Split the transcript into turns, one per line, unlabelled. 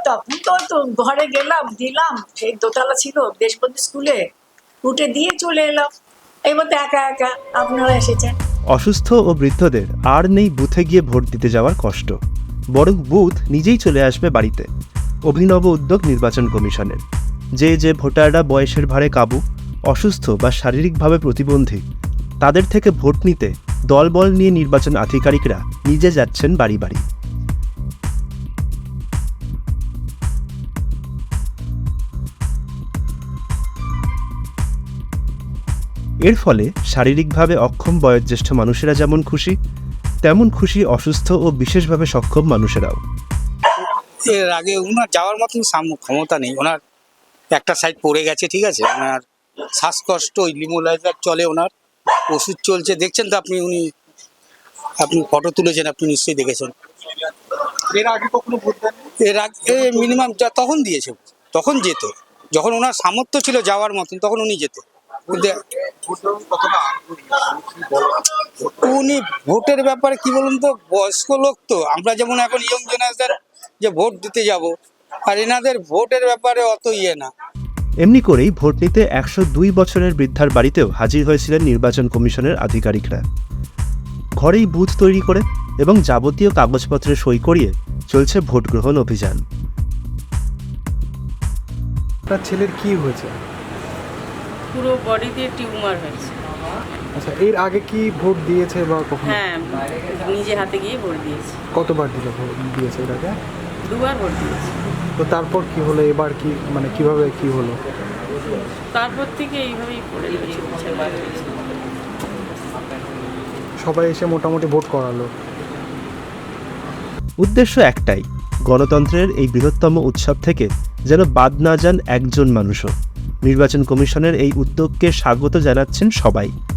তখন তো ঘরে গেলাম, দিলাম, সেই দোতলা ছিল দেশবন্ধু স্কুলে, উঠে দিয়ে চলে এলাম। এবার তো একা একা আপনারা এসেছেন।
অসুস্থ ও বৃদ্ধদের আর নেই বুথে গিয়ে ভোট দিতে যাওয়ার কষ্ট, বরং বুথ নিজেই চলে আসবে বাড়িতে। অভিনব উদ্যোগ নির্বাচন কমিশনের। যে ভোটাররা বয়সের ভারে কাবু, অসুস্থ বা শারীরিকভাবে প্রতিবন্ধী, তাদের থেকে ভোট নিতে দলবল নিয়ে নির্বাচন আধিকারিকরা নিজে যাচ্ছেন বাড়ি বাড়ি। এর ফলে শারীরিকভাবে অক্ষম বয়োজ্যেষ্ঠ মানুষেরা যেমন খুশি, তেমন খুশি অসুস্থ ও বিশেষভাবে সক্ষম মানুষেরাও।
এর আগে ওনার যাওয়ার মতন ক্ষমতা নেই, ওনার একটা সাইড পড়ে গেছে, ঠিক আছে, ওনার শ্বাসকষ্ট, ওই লিমোলাইজার চলে, ওনার ওষুধ চলছে, দেখছেন তো আপনি, আপনি ফটো তুলেছেন, আপনি নিশ্চয়ই দেখেছেন।
এর আগে কখনো ভোট দেন?
এর আগে মিনিমাম তখন দিয়েছে, তখন যেত, যখন ওনার সামর্থ্য ছিল যাওয়ার মতন তখন উনি যেত। উনি ভোটের ব্যাপারে কি বলুন তো, বয়স্ক লোক তো, আমরা যেমন এখন ইয়ং জেনারেশন যে ভোট দিতে যাব, আর এনাদের ভোটের ব্যাপারে অত না।
এমনি করেই ভোট নিতে 102 বছরের বৃদ্ধার বাড়িতেও হাজির হয়েছিলেন নির্বাচন কমিশনের আধিকারিকরা। ঘরেই বুথ তৈরি করে এবং যাবতীয় কাগজপত্রে সই করিয়ে চলছে ভোট গ্রহণ অভিযান।
তার ছেলের কি হয়েছে?
পুরো বডিতে টিউমার হয়েছে।
আচ্ছা, এর আগে কি ভোট দিয়েছে বা কখনো?
হ্যাঁ, নিজে হাতে গিয়ে ভোট দিয়েছি।
কতবার ভোট দিয়েছে এর আগে?
2বার ভোট দিয়েছি।
তো তারপর কি হলো, এবার কি মানে কিভাবে কি হলো?
তারপর থেকে এইভাবেই পড়ে রয়েছে।
সবাই এসে মোটামুটি ভোট করালো।
উদ্দেশ্য একটাই, গণতন্ত্রের এই বৃহত্তম উৎসব থেকে যেন বাদ না যান একজন মানুষও। নির্বাচন কমিশনের এই উদ্যোগকে স্বাগত জানাচ্ছেন সবাই।